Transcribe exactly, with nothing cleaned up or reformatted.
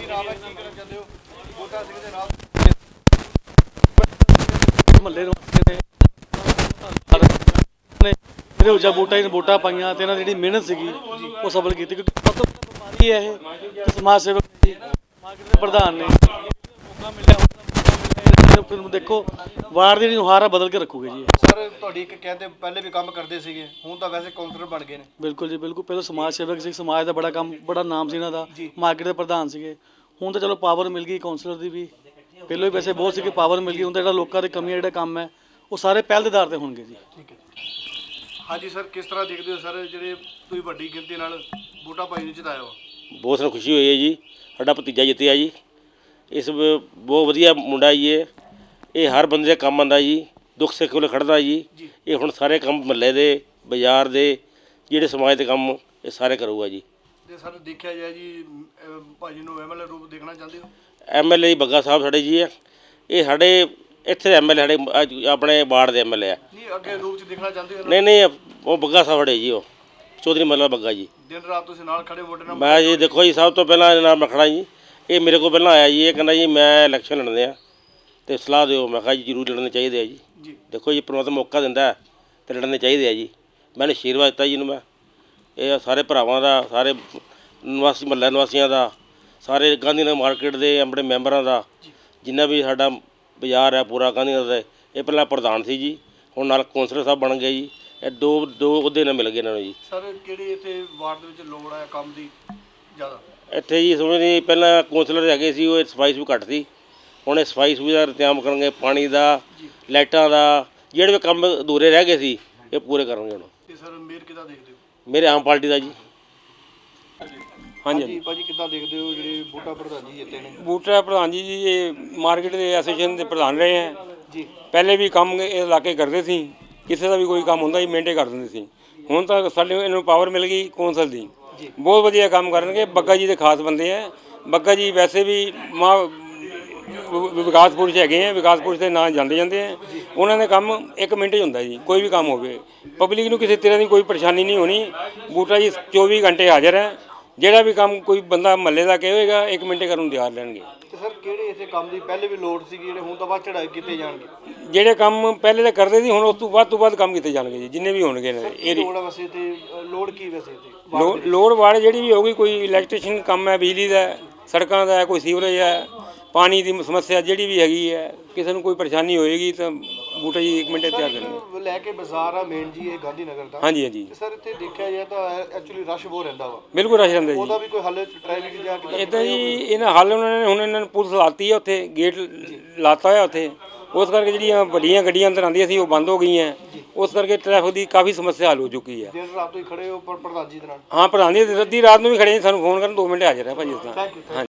ਕੀ ਨਾਮ ਹੈ, ਕੀ ਕਹਿਣਾ ਚਾਹੁੰਦੇ ਹੋ ਬੂਟਾ ਸਿੰਘ ਦੇ ਨਾਲ? ਮਹੱਲੇ ਨਿਵਾਸੀ ਨੇ ਇਹਦੇ ਉੱਜਾ ਬੂਟਾ ਹੀ ਵੋਟਾਂ ਪਾਈਆਂ ਤੇ ਇਹਨਾਂ ਦੀ ਜਿਹੜੀ ਮਿਹਨਤ ਸੀਗੀ ਉਹ ਸਫਲ ਕੀਤੀ, ਕਿਉਂਕਿ ਸਭ ਤੋਂ ਵੱਡਾ ਵਪਾਰੀ ਹੈ ਇਹ ਤੇ ਸਮਾਜ ਸੇਵਕ ਜੀ, ਮਾਰਕੀਟ ਦੇ ਪ੍ਰਧਾਨ ਨੇ। ਮੌਕਾ ਮਿਲਿਆ ਹੁਣ ਦੇਖੋ ਵਾਰਡ ਦੀ ਨੁਹਾਰ ਬਦਲ ਕੇ ਰੱਖੂਗੇ ਜੀ। ਸਰ ਤੁਹਾਡੀ ਇੱਕ ਕਹਿੰਦੇ ਪਹਿਲੇ ਵੀ ਕੰਮ ਕਰਦੇ ਸੀਗੇ, ਹੁਣ ਤਾਂ ਵੈਸੇ ਕਾਉਂਸਲਰ ਬਣ ਗਏ ਨੇ। ਬਿਲਕੁਲ ਜੀ ਬਿਲਕੁਲ, ਪਹਿਲਾਂ ਸਮਾਜ ਸੇਵਕ ਸੀ, ਸਮਾਜ ਦਾ ਬੜਾ ਕੰਮ ਬੜਾ ਨਾਮ ਸੀ ਇਹਨਾਂ ਦਾ, ਮਾਰਕੀਟ ਦੇ ਪ੍ਰਧਾਨ ਸੀਗੇ। ਹੁਣ ਤਾਂ ਚਲੋ ਪਾਵਰ ਮਿਲ ਗਈ ਕਾਉਂਸਲਰ ਦੀ ਵੀ, ਪਹਿਲਾਂ ਹੀ ਵੈਸੇ ਬਹੁਤ ਸੀ ਕਿ ਪਾਵਰ ਮਿਲ ਗਈ। ਹੁਣ ਤਾਂ ਜਿਹੜਾ ਲੋਕਾਂ ਦੇ ਕਮੀਆਂ ਜਿਹੜਾ ਕੰਮ ਹੈ ਉਹ ਸਾਰੇ ਪਹਿਲ ਦੇ ਆਧਾਰ ਤੇ ਹੋਣਗੇ ਜੀ। ਠੀਕ ਹੈ ਹਾਂਜੀ ਸਰ, ਕਿਸ ਤਰ੍ਹਾਂ ਦੇਖਦੇ ਹੋ ਸਰ ਜਿਹੜੇ ਤੁਸੀਂ ਵੱਡੀ ਗਿਣਤੀ ਨਾਲ ਬੂਟਾ ਭਾਈ ਨੂੰ ਜਿਤਾਇਆ ਵਾ? ਬਹੁਤ ਸਾਨੂੰ ਖੁਸ਼ੀ ਹੋਈ ਹੈ ਜੀ, ਸਾਡਾ ਭਤੀਜਾ ਜਿੱਤਿਆ ਜੀ। ਇਸ ਬਹੁਤ ਵਧੀਆ ਮੁੰਡਾ ਜੀ, ਇਹ ਇਹ ਹਰ ਬੰਦੇ ਦੇ ਕੰਮ ਆਉਂਦਾ ਜੀ, ਦੁੱਖ ਸੁੱਖ ਵੇਲੇ ਖੜਦਾ ਜੀ। ਇਹ ਹੁਣ ਸਾਰੇ ਕੰਮ ਮਹੱਲੇ ਦੇ, ਬਾਜ਼ਾਰ ਦੇ, ਜਿਹੜੇ ਸਮਾਜ ਦੇ ਕੰਮ ਇਹ ਸਾਰੇ ਕਰੂਗਾ ਜੀ। ਤੇ ਸਰ ਦੇਖਿਆ ਜਾਏ ਜੀ ਭਾਜੀ ਨੂੰ ਐਮਐਲਏ ਰੂਪ ਦੇਖਣਾ ਚਾਹੁੰਦੇ ਹੋ? M L A Bagga Sahib ਸਾਡੇ ਜੀ ਆ, ਇਹ ਸਾਡੇ ਇੱਥੇ ਐਮ ਐਲ ਏ ਸਾਡੇ ਆਪਣੇ ਵਾਰਡ ਦੇ ਐਮ ਐਲ ਏ ਆ। ਨਹੀਂ ਅੱਗੇ ਰੂਪ 'ਚ ਦੇਖਣਾ ਚਾਹੁੰਦੇ ਹੋ? ਨਹੀਂ ਨਹੀਂ, ਉਹ ਬੱਗਾ ਸਾਹਿਬ ਸਾਡੇ ਜੀ, ਉਹ ਚੌਧਰੀ ਮੱਲਾ ਬੱਗਾ ਜੀ। ਦਿਨ ਰਾਤ ਤੁਸੀਂ ਨਾਲ ਖੜੇ ਵੋਟਰ ਨਾਲ? ਮੈਂ ਜੀ ਦੇਖੋ ਜੀ, ਸਭ ਤੋਂ ਪਹਿਲਾਂ ਇਹਦੇ ਨਾਲ ਮੈਂ ਖੜਾ ਜੀ। ਇਹ ਮੇਰੇ ਕੋਲ ਪਹਿਲਾਂ ਆਇਆ ਜੀ, ਇਹ ਕਹਿੰਦਾ ਜੀ ਮੈਂ ਇਲੈਕਸ਼ਨ ਲੜਦੇ ਆ ਅਤੇ ਸਲਾਹ ਦਿਓ। ਮੈਂ ਕਿਹਾ ਜੀ ਜ਼ਰੂਰ ਲੜਨੇ ਚਾਹੀਦੇ ਆ ਜੀ। ਦੇਖੋ ਜੀ ਪਰਮਾਤਮਾ ਮੌਕਾ ਦਿੰਦਾ ਅਤੇ ਲੜਨੇ ਚਾਹੀਦੇ ਆ ਜੀ। ਮੈਨੂੰ ਆਸ਼ੀਰਵਾਦ ਦਿੱਤਾ ਜੀ ਨੂੰ ਮੈਂ, ਇਹ ਸਾਰੇ ਭਰਾਵਾਂ ਦਾ, ਸਾਰੇ ਨਿਵਾਸੀ ਮਹੱਲਾ ਨਿਵਾਸੀਆਂ ਦਾ, ਸਾਰੇ ਗਾਂਧੀ ਨਗਰ ਮਾਰਕੀਟ ਦੇ ਆਪਣੇ ਮੈਂਬਰਾਂ ਦਾ, ਜਿੰਨਾ ਵੀ ਸਾਡਾ ਬਾਜ਼ਾਰ ਹੈ ਪੂਰਾ ਗਾਂਧੀ ਨਗਰ ਦਾ। ਇਹ ਪਹਿਲਾਂ ਪ੍ਰਧਾਨ ਸੀ ਜੀ, ਹੁਣ ਨਾਲ ਕੌਂਸਲਰ ਸਾਹਿਬ ਬਣ ਗਏ ਜੀ। ਇਹ ਦੋ ਦੋ ਅਹੁਦੇ ਨਾਲ ਮਿਲ ਗਏ ਇਹਨਾਂ ਨੂੰ ਜੀ। ਸਰ ਕਿਹੜੀ ਇੱਥੇ ਵਾਰਡ ਦੇ ਵਿੱਚ ਲੋੜ ਹੈ ਕੰਮ ਦੀ ਜ਼ਿਆਦਾ? ਇੱਥੇ ਜੀ ਸਮਝ ਨਹੀਂ, ਪਹਿਲਾਂ ਕੌਂਸਲਰ ਹੈਗੇ ਸੀ, ਉਹ ਸਫਾਈ ਸੁ ਘੱਟ ਸੀ। ਹੁਣ ਇਹ ਸਫਾਈ ਸੁਵਿਧਾ ਦਾ ਇੰਤਜ਼ਾਮ ਕਰਨਗੇ, ਪਾਣੀ ਦਾ, ਲਾਈਟਾਂ ਦਾ, ਜਿਹੜੇ ਵੀ ਕੰਮ ਅਧੂਰੇ ਰਹਿ ਗਏ ਸੀ ਇਹ ਪੂਰੇ ਕਰਨਗੇ ਹੁਣ। ਤੇ ਸਰ ਮੇਅਰ ਕਿੱਦਾਂ ਦੇਖਦੇ ਹੋ? ਮੇਰੇ ਆਮ ਪਾਰਟੀ ਦਾ ਜੀ। ਹਾਂਜੀ ਭਾਜੀ ਕਿੱਦਾਂ ਦੇਖਦੇ ਹੋ ਜਿਹੜੇ ਬੂਟਾ ਪ੍ਰਧਾਨ ਜੀ ਜਿੱਤੇ ਨੇ? ਬੂਟਾ ਪ੍ਰਧਾਨ ਜੀ ਜੀ ਇਹ ਮਾਰਕੀਟ ਦੇ ਐਸੋਸੀਏਸ਼ਨ ਦੇ ਪ੍ਰਧਾਨ ਰਹੇ ਹੈ ਜੀ। ਪਹਿਲੇ ਵੀ ਕੰਮ ਇਹ ਇਲਾਕੇ ਕਰਦੇ ਸੀ, ਕਿਸੇ ਦਾ ਵੀ ਕੋਈ ਕੰਮ ਹੁੰਦਾ ਸੀ ਮਿੰਟੇ ਕਰ ਦਿੰਦੇ ਸੀ। ਹੁਣ ਤਾਂ ਸਾਡੇ ਇਹਨਾਂ ਨੂੰ ਪਾਵਰ ਮਿਲ ਗਈ ਕੌਂਸਲ ਦੀ, ਬਹੁਤ ਵਧੀਆ ਕੰਮ ਕਰਨਗੇ। ਬੱਗਾ ਜੀ ਦੇ ਖਾਸ ਬੰਦੇ ਹੈ। ਬੱਗਾ ਜੀ ਵੈਸੇ ਵੀ ਮਾਂ ਵਿਕਾਸ ਪੁਰਸ਼ ਹੈਗੇ ਹੈ, ਵਿਕਾਸ ਪੁਰਸ਼ ਦੇ ਨਾਂ ਜਾਂਦੇ ਜਾਂਦੇ ਹੈ। ਉਹਨਾਂ ਦੇ ਕੰਮ ਇੱਕ ਮਿੰਟ 'ਚ ਹੁੰਦਾ ਜੀ, ਕੋਈ ਵੀ ਕੰਮ ਹੋਵੇ। ਪਬਲਿਕ ਨੂੰ ਕਿਸੇ ਤਰ੍ਹਾਂ ਦੀ ਕੋਈ ਪਰੇਸ਼ਾਨੀ ਨਹੀਂ ਹੋਣੀ। ਬੂਟਾ ਜੀ ਚੌਵੀ ਘੰਟੇ ਹਾਜ਼ਰ ਹੈ। ਜਿਹੜਾ ਵੀ ਕੰਮ ਕੋਈ ਬੰਦਾ ਮਹੱਲੇ ਦਾ ਕਹੇਗਾ ਇੱਕ ਮਿੰਟੇ ਕਰਨ ਨੂੰ ਤਿਆਰ ਰਹਿਣਗੇ। ਤੇ ਸਰ ਕਿਹੜੇ ਇੱਥੇ ਕੰਮ ਦੀ ਪਹਿਲੇ ਵੀ ਲੋੜ ਸੀ ਜਿਹੜੇ ਹੁਣ ਤਾਂ ਵੱਧ ਚੜਾਈ ਕੀਤੇ ਜਾਣਗੇ? ਜਿਹੜੇ ਕੰਮ ਪਹਿਲੇ ਤਾਂ ਕਰਦੇ ਸੀ ਹੁਣ ਉਸ ਤੋਂ ਵੱਧ ਤੋਂ ਵੱਧ ਕੰਮ ਕੀਤੇ ਜਾਣਗੇ ਜੀ, ਜਿੰਨੇ ਵੀ ਹੋਣਗੇ ਇਹ ਲੋੜ ਹੈ ਵੈਸੇ ਤੇ ਲੋੜ ਕੀ ਵੈਸੇ ਤੇ ਲੋ ਲੋੜ ਵਾੜ ਜਿਹੜੀ ਵੀ ਹੋਊਗੀ, ਕੋਈ ਇਲੈਕਟ੍ਰੀਸ਼ਨ ਕੰਮ ਹੈ, ਬਿਜਲੀ ਦਾ, ਸੜਕਾਂ ਦਾ, ਕੋਈ ਸੀਵਰੇਜ ਹੈ, ਪਾਣੀ ਦੀ ਸਮੱਸਿਆ ਜਿਹੜੀ ਵੀ ਹੈਗੀ ਹੈ, ਕਿਸੇ ਨੂੰ ਕੋਈ ਪਰੇਸ਼ਾਨੀ ਹੋਏਗੀ ਤਾਂ ਬੂਟਾ ਜੀ ਇੱਕ ਮਿੰਟ ਤਿਆਰ ਕਰਨਗੇ। ਲੈ ਕੇ ਬਾਜ਼ਾਰ ਆ ਮੇਨ ਜੀ ਇਹ ਗਾਂਧੀ ਨਗਰ ਦਾ। ਹਾਂਜੀ ਹਾਂਜੀ ਸਰ ਇੱਥੇ ਦੇਖਿਆ ਜਾਏ ਤਾਂ ਐਕਚੁਅਲੀ ਰਸ਼ ਬਹੁਤ ਰਹਿੰਦਾ ਵਾ। ਬਿਲਕੁਲ ਰਸ਼ ਰਹਿੰਦਾ ਜੀ। ਉਹਦਾ ਵੀ ਕੋਈ ਹੱਲ ਟ੍ਰੈਫਿਕ ਜਾਂ ਕਿੱਦਾਂ? ਇੱਦਾਂ ਜੀ ਇਹਨਾਂ ਹੱਲ ਉਹਨਾਂ ਨੇ ਹੁਣ ਇਹਨਾਂ ਨੂੰ ਪੁਲਿਸ ਲਾਤੀ ਹੈ, ਉੱਥੇ ਗੇਟ ਲਾਤਾ ਹੋਇਆ ਉੱਥੇ। ਉਸ ਕਰਕੇ ਜਿਹੜੀਆਂ ਵੱਡੀਆਂ ਗੱਡੀਆਂ ਅੰਦਰ ਆਉਂਦੀਆਂ ਸੀ ਉਹ ਬੰਦ ਹੋ ਗਈਆਂ। ਉਸ ਕਰਕੇ ਟ੍ਰੈਫਿਕ ਦੀ ਕਾਫੀ ਸਮੱਸਿਆ ਹੱਲ ਹੋ ਚੁੱਕੀ ਹੈ। ਦਿਨ ਰਾਤ ਤੋਂ ਹੀ ਖੜੇ ਹੋ ਪਰ ਪ੍ਰਧਾਨ ਜੀ ਦੇ ਨਾਲ? ਹਾਂ ਪ੍ਰਧਾਨ ਜੀ ਅੱਧੀ ਰਾਤ ਨੂੰ ਵੀ ਖੜੇ, ਸਾਨੂੰ ਫੋਨ ਕਰਨ ਦੋ ਮਿੰਟ ਹਾਜ਼ਰ ਹੈ ਭਾਜੀ ਇਸ ਤਰ੍ਹਾਂ। Thank you.